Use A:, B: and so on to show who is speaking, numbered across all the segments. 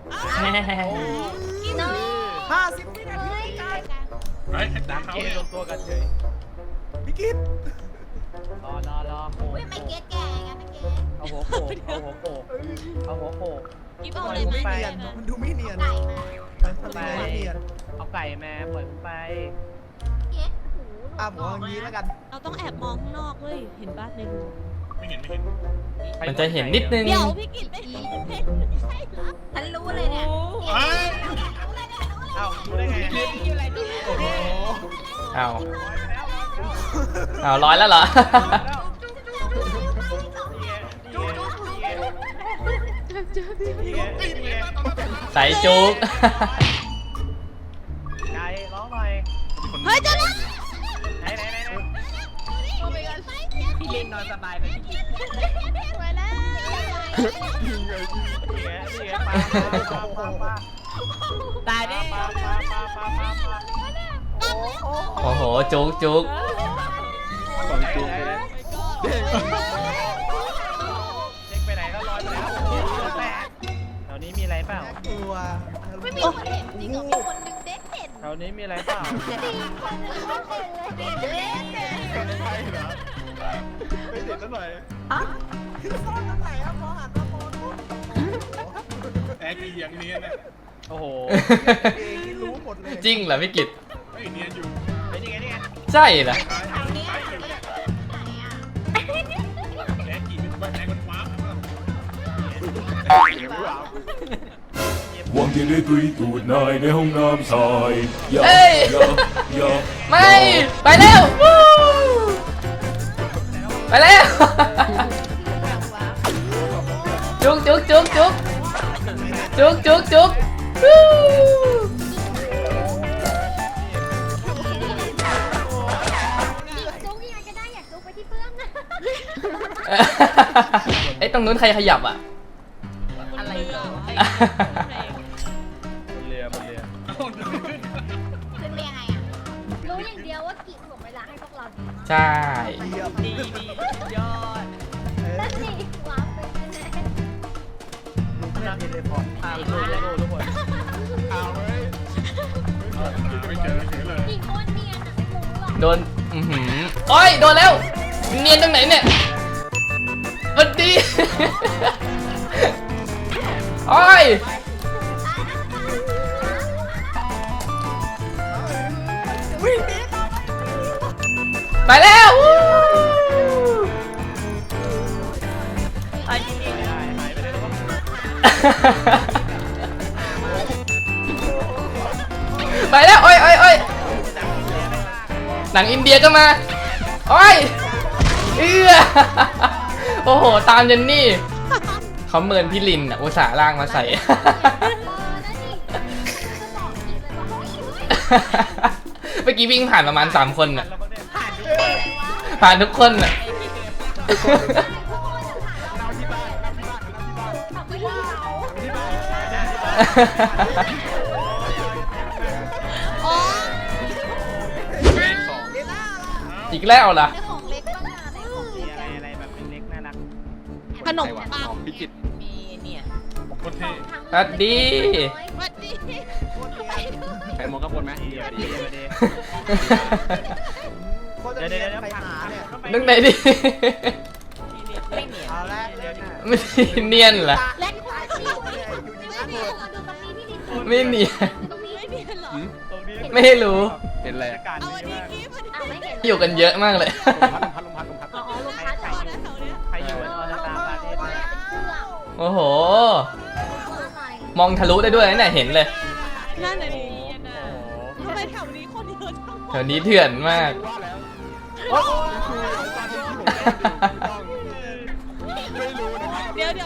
A: กินเลย
B: 50 วินาทีการ
C: เฮ้ย
D: น้ำเกลรวมตัวกันเฉย
B: พี่กิต
D: รอโขก
A: ไม่เก็ตแก่ไงไม่เก็ต
D: เอาหัวโขกเอาหัวโขกเอาหัวโขก
A: กินเอาเลยไหม
B: เนียนมันดูไม่เนียน
A: ไก่มา
B: มันดูไม่เนียน
D: เอาไก่มาปล่อยผมไป
A: เก็ตหู
B: ผมเอาอย่างนี้แล้วกัน
E: เราต้องแอบมองข้างนอกเว้ยเห็นบ้านในรู
C: ไม่เห็นไม่เห็น
F: มันจะเห็นนิดนึง
E: เดี๋ยวพี่กิตไม่เห็นไม่ใช่เหรอ
A: ฉันรู้เลยเนี่ย
C: เฮ้ย
D: เอ้ารู้ได้ไง
B: โอ้โห
F: เอาเอาร้อยแล้วเหรอ ใส่จุก
D: ไก่ร้องหน่อย
E: เฮ้ยเจะแล้ว
D: ไหน
E: โอ้ my god
D: พี่ลินนอนสบายไปพี่กิน
E: ไปแล้ว
D: นี่ไงปลาตายดิปลา
F: โอ้โห จุกจุก
D: เด็กไปไหนแล้วลอยไปแล้วแถวนี้มีอะไรเปล่า
B: ตัว
A: ไม่มีคนเห็นจริงเหรอมีคนนึงเด็กเห็น
D: แถวนี้มีอะไรเปล่า
C: ไม่เห็นซะหน่อย
B: ซ่อนตรงไหนอะพอหันมามองดู
C: แอกอีอย่างเนียนน่ะ
D: โอ้โห
B: เองที่รู้หมดเลย
F: จริงเหรอพี่กิต
C: ไม่เนียนอยู่
D: นี่ไง
F: ใช่เหรอ
A: ทางนี้ไหนอ่ะ
C: แอกกี่เป็นแอกมันว้าว
G: หวังจะได้ตุยตูดนายในห้องน้ำชายอย่า
F: เอ้ย
G: อย่า
F: ไม่ ไปแล้ววู้ไปแล้ว จุกจุกจุกจุกจุกจุกจุกวู้
A: จุ๊กยังไงก็ได้อยากจุ๊กไปที่เพื่อนนะ
F: ไอ้ยตรงนู้นใครขยับอ่ะ
E: อะไรเหรอ
D: บนเรือ
A: เป็นยังไงอ่ะรู้อย่างเดียวว่ากี่ถ่วงเวลาให้พวกเราดีมาก
F: ใช่
B: เยี่ยม
D: ดียอด
A: นั่นสิว้าวไปแน่
B: ลุงเล่นเทเลพอร์ต
D: ทุกคน
C: เอาเว้ยไม่เจอเฉยเลย
A: กี่คนเนียนอ่ะไม่รู้หรอก
F: โดนโอ้ยโดนแล้ว เนียนตรงไหนเนี่ยสวัสดี โอ้ยไปแล้ววู้
D: ไอ้นี่หายไปเลยว่า
F: ไปแล้วโอ้ยโอ้ยโอ้ยหนังอินเดียก็มาโอ้ยโอ้โหตามเจนนี่เขาเมินพี่ลินอ่ะอุตส่าห์ล่างมาใส่ เมื่อกี้วิ่งผ่านประมาณ3 คนน่ะ ผ่านทุกคนน่ะ
E: อ๋อ
F: อีกแล้วล่ะ
A: ของเล็กบ้างนะในของ
D: มีอะไรแบบเป็นเล็กน่ารัก
E: ขนมปัง
C: พิจิตร
E: มีเนี่ย
C: โคตรเท่
F: สวัสดี
E: สวัสดี
C: ใครมองข้างบนไหม
D: ดีดี
B: โคตรจะเนียนใครหาเนี่ย
F: นึกไหนดิ
B: เอาละเนียน
F: ไม่เนียนเหรอ
A: เล็กกว่าชีพไม่เนียนเราดูตรงนี้ที่ดิน
F: ไม่เนียน
A: ตรงนี้
E: ไม่มีเหรอ
D: ตรงนี้
F: ไม่รู้
C: เห็นอะไร
D: อากาศ
E: เอา
D: ดี
E: อันนี้
D: มาก
E: กิ๊บ
A: อ้าวไม่เห็น
F: อยู่กันเยอะมากเลย
A: อ๋อลูกค้าจอด
E: นะแถวเนี้ย
D: ใครอยู่ออนตาปาเทศ
A: เป็นเครื่อง
F: โอ้โห
A: อะไร
F: มองทะลุได้ด้วยนะเนี่ยเห็นเลย
E: นั่นน่ะดิทำไมแถวนี้คนเยอะจัง
F: แถวนี้เถื่อนมาก
E: เดี๋ยว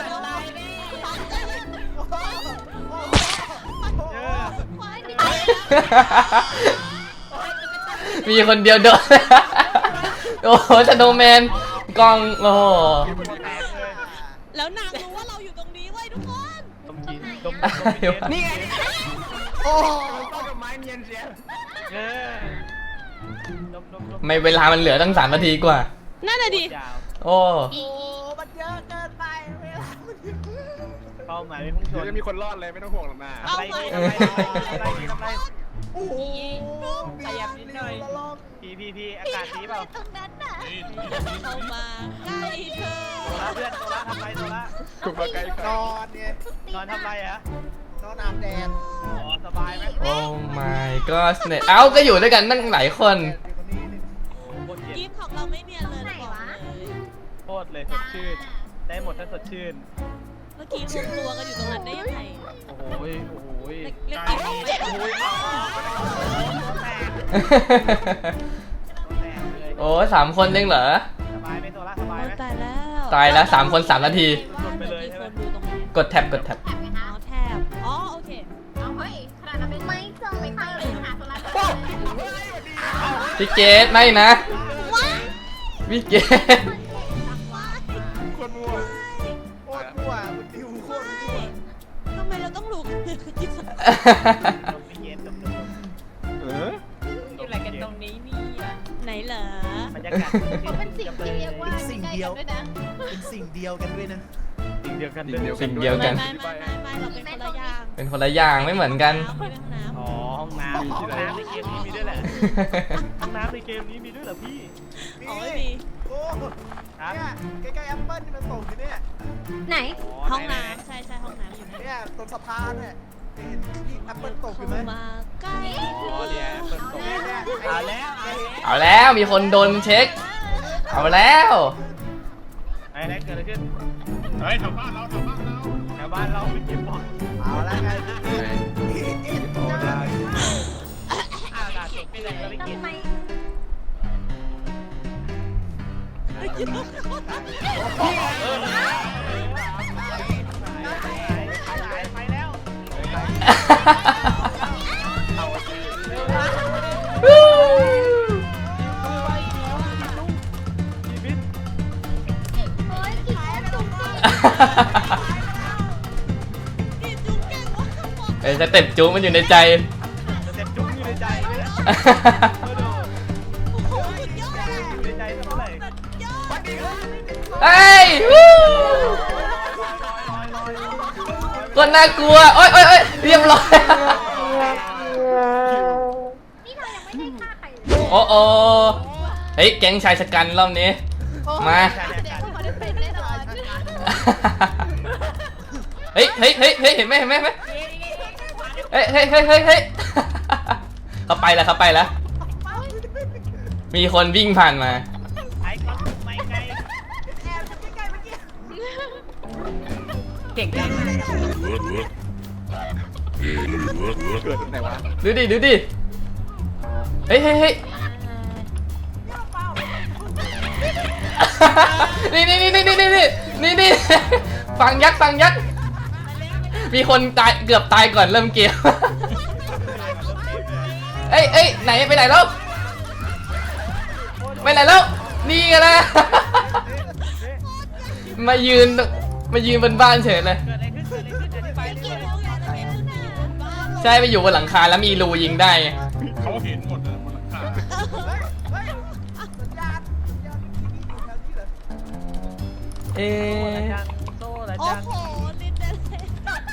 F: มีคนเดียวโดน โอ้โหสโนว์แมนกล้อง โอ้โห
E: แล้วนางรู้ว่าเราอยู่ตรงนี้เว้ยทุกคน
D: ต้มยินต้มนี่ไง
B: โอ้
D: ไม้เนียนเสียต้ม
F: ไม่เวลามันเหลือตั้ง3 นาทีกว่า
E: นั่นน่ะดิ
D: ยาว
F: โอ้
B: โหมันเยอะเกินไปเวลามันเยอะ
D: ก็
C: ป้าหมายไม่พุ่งชนจะมีคนรอดเลยไม่ต้องห่วงหรอกนะ
E: เอา
C: อะไร
E: ไป
C: อะไร
B: โอ้โห
D: ขยับนิดหน่อย
B: ละลอก
C: พี่อากาศดีเปล่า
A: ตรงนั้นน่ะ
E: เข้ามาใกล้เธอ
C: โซล่าเพื่อนโซล่าทำไรโซล่า
B: ถูกมาไกลนอนไง
C: นอนทำไรฮะ
B: นอนอาบแดด
C: อ๋อสบายไหม
F: โอ้ my god เนี่ยเอ้าก็อยู่ด้วยกันตั้งหลายคน
B: เดี๋ยวคนนี้นี่
C: โคตรเย็น
E: ยิ้มของเราไม่เนียนเลยนะบอกเลย
C: โคตรเลยสดชื่นได้หมดถ้าสดชื่น
E: เมื่อกี้รวมตัวกันอยู่ตรงนั้นได้ยังไง
C: โอ้โหโอ้โห
E: เล็กๆไม่เจ็บ
C: โอ้ยแตก
F: โอ้3 คนเองเหรอ
C: สบายไหมโซล่าสบายไหม
E: ตายแล้ว
F: ตายแล้ว3 คน 3 นาที
C: หลุดไปเลยใช่ไหม
E: คนดูตรงนี้
F: กดแท็บกดแท็บ
A: แอบไหมคะ
E: เอาแทบอ๋อโอเค
A: เอาเฮ้ยขนาดนั้นไม่เจอไม่เจอเลยหาโซล่าเจอ
F: พี่เกดไม่นะพี่เกด
C: คนมั่ว
B: โคตรมั่วมันดิวโคตรมั่ว
E: ทำไมเราต้องรู้กันเลยกินสัก
C: ลมไม่เย็นลม
D: อยู่อะไรกันตรงนี้เนี่ย
E: ไหนเหรอบ
C: รรยากาศ
A: เขาเป็นสิ่งที่เรียกว่าใกล้ๆกันด้วยนะ
B: เป็นสิ่งเดียวกันด้วยนะ
C: สิ่งเดียวกัน
F: สิ่งเดียวกัน
E: ไม่เราเป็นคนละอย่าง
F: เป็นคนละอย่างไม่เหมือนกัน
E: น้ำ
C: อ๋อห้องน้ำห้องน้ำในเกมนี้มีด้วยแหละห้องน้ำในเกมนี้มีด้วยเหรอพี่
E: อ๋อไม่มี
B: โอ้เนี่ยใกล้ๆแอปเปิ้ลที่มันส่งอยู่เนี่ย
A: ไหน
E: ห้องน้ำใช่ห้องน้ำอยู่ไหน
B: เนี่ยตรงสะพานเนี่ยเห็นที่แอปเปิ้ลตกอยู่ไหม
E: มาใกล้
C: อ๋อเนี่ยเปิดตก
B: เนี่ย
C: เอาแล้ว
F: เอาแล้วมีคนโดนเช็ค เอาแล้ว
C: ไอ้นั่นเกิดอะไรขึ้น
G: เฮ้ยทำบ้านเราทำบ้านเรา
C: แถวบ้านเราไปเก็บบอล
B: เอาแล้วไง
C: โอ้ได้อากาศไปเลยก็ไม่เก็บ
A: ทำไม
C: ไปแล้ว ชีวิต
A: เฮ้ยกี่คนจุกจิก
E: กินจุ๊บเก่งวะบอก
F: เอ้ยสเต็ปจูมันอยู่ในใจ
C: จะเต็มจุ้งอยู่ในใจเลยนะ
E: โอ้โหสุดยอด
C: อยู่ในใจเท่าไหร่
E: ยอด
F: เฮ้ยวู้คนน่ากลัวโอ๊ยโอ๊ยโอ๊ยเรียบร้อย
A: นี่เรายังไม่ได้ฆ่าใครเลย
F: โอ้โอเฮ้ยแก๊งชายชะกันรอบนี้ มา
A: เดี๋ยวเขาได้เป็นแน่นอน
F: เฮ้ยเฮ้ยเฮ้ยเฮ้ยเห็นไหมเห็นไหมเห็นไหมเฮ้ยเฮ้ยเฮ้ยเฮ้ยเฮ้ยเขาไปแล้วเขาไปแล้ว มีคนวิ่งผ่านมา
C: ไอ้ก้อนไม่ไกล
D: เก่งจัง
C: เกิดตรงไหนวะ
F: ดูดิดูดิเฮ้ยเฮ้ยเฮ้ยนี่นี่นี่นี่นี่นี่นี่นี่ฟังยักษ์ฟังยักษ์มีคนตายเกือบตายก่อนเริ่มเกมเอ้ยเอ้ยไหนไปไหนแล้วไปไหนแล้วนี่ไงนะมายืนบนบ้านเฉยเลย
C: เกิดอะไรขึ้นเกิดอะไรขึ้นอธิบาย
E: กิ
C: ด้
E: น
C: วย
E: แล้วไงจะเป็นขึ้นมาบ้าน
F: ใช่ไปอยู่บนหลังคาแล้วมีรูยิงได้ไง
G: เขาเห็นหมดเลยบนหลังคา
B: เฮ้ยสัญญาณที่มีอยู่แถวนี้เหรอ
F: เอ๊ะ
C: โซ่ละ
E: โอ้
C: จัน
E: โหลินเดนเลย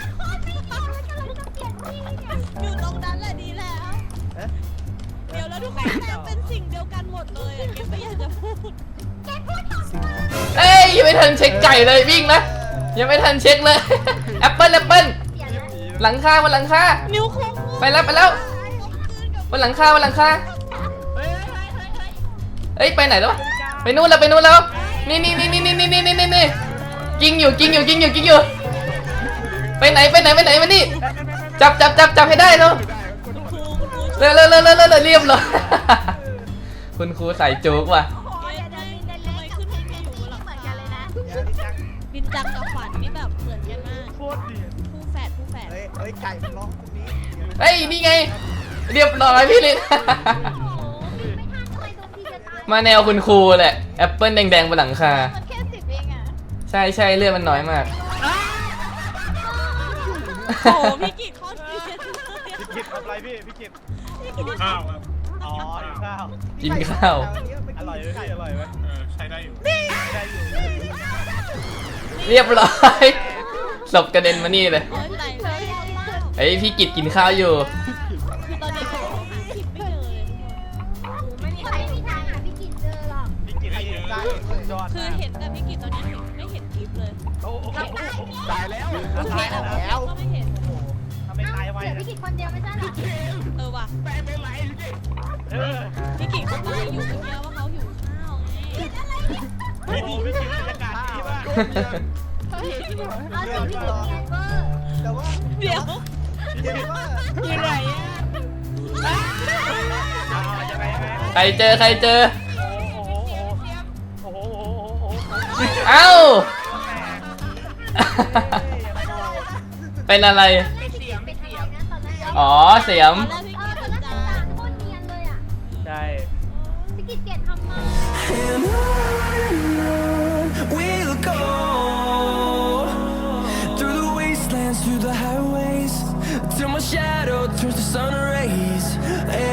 E: อยู่ตรงนั้นแหละดีแล้ว เดี๋ยวแล้วทุกคนแม่งเป็นสิ่งเดียวกันหมดเลยอะเก็บไม่อยากจะพูด
F: เอ้ยยังไม่ทันเช็คไก่เลยวิ่งนะยังไม่ทันเช็คเลยแอปเปิ้ลแอปเปิ้ลหลังคาบนหลังคา
E: นิ้วโค้ง
F: ไปแล้วไปแล้วบนหลังคาบนหลังคาเอ้ยไปไหนแล้ววะไปนู่นแล้วไปนู่นแล้วนี่นี่นี่นี่นี่นี่นี่นี่นี่กิ้งอยู่กิ้งอยู่กิ้งอยู่กิ้งอยู่ไปไหนไปไหนไปไหนมานี่จับให้ได้เร็ว
E: คุณครู
F: เร็วเร็วเร็วเร็วเร็วเรียบร้อยคุณครูใส่โจ๊กว่ะ
E: ทำไมขึ้นให้พี่อยู่บนหลัง
A: เหมือน
E: คา
A: กันเลยนะ
E: ดินจังกับขวัญนี่แบบเหมือนกันมาก
C: โคตรเดือด
E: คู่แฝด
B: เฮ้ยไก่มันร้องพวกนี้
F: เฮ้ยนี่ไงเรียบร้อยพี่ลิน
A: ไม่ทันทำไมโดนทีจะตาย
F: มาแนวคุณครูแหละแอปเปิ้ลแดงๆบนหลังคา
A: มันแค่10เองอ่ะ
F: ใช่ใช่เลือดมันน้อยมาก
E: โอ้โหพี่กิจโคตรเกลียดเลย
C: พี่กิตทำไรพี่พี่กิต
G: ข้าวครับ
C: อ๋อข้าว
F: กินข้าว
C: อร่อยไหมพี่อร่อยไหม
G: ใช้ได้อยู่
C: ได้อยู่
F: เรียบร้อยศพกระเด็นมานี่เลย
E: โอ๊ยตายแล้ว
F: ไอ้ยพี่กิจกินข้าวอยู่
E: คือตอนนี้เขาหาคลิปไม่เจอเลยทุกคน
A: ไม่มีใครมีทางหาพี่กิจเจอหรอก
C: พี่กินให้เยอะ
B: ยอด
E: คือเห็นแต่พี่กิจตอนนี้ไม่เห็นคลิปเลย
C: โอ้โหตายแล้ว
E: ตายแล้วก็ไม่เห็น
C: ทำไมตายไว
A: เดี๋ยวพี่กิจคนเดียวไม่ใช่หรอ
E: ว่ะ
C: แม่เป็นไรเออ
E: พี่กิจเขาตายอยู่เมื่อกี้ว่าเขาหิวข้าวไง
C: ไม่ดีไม่กินบรรยากาศดีมาก
A: เอาสิพี่กิจเนียนเวอร์
B: แต่ว่า
E: เดี๋ยว
B: เดี๋ยวว่า
E: อยู่ไหนอ่ะ
C: ยังไง
F: ใครเจอใครเจอ
C: โอ้โหโอ้โห
F: เอ้า เป็นอะไร
A: เป็นเสียงเป็นอะไรนะตอนนั้น
F: อ๋อเสียม
E: ตอนแรกพี่
A: เอ
E: กิ
A: อ
E: จ
A: ตอน
E: จะ
A: นั้นตาโคตรเนียนเลยอ่ะ
C: ใช่
A: พี่กิจเปลี่ยนทำมา
H: And on we'll go through the wastelands, through the highways, till my shadow turns to sun rays.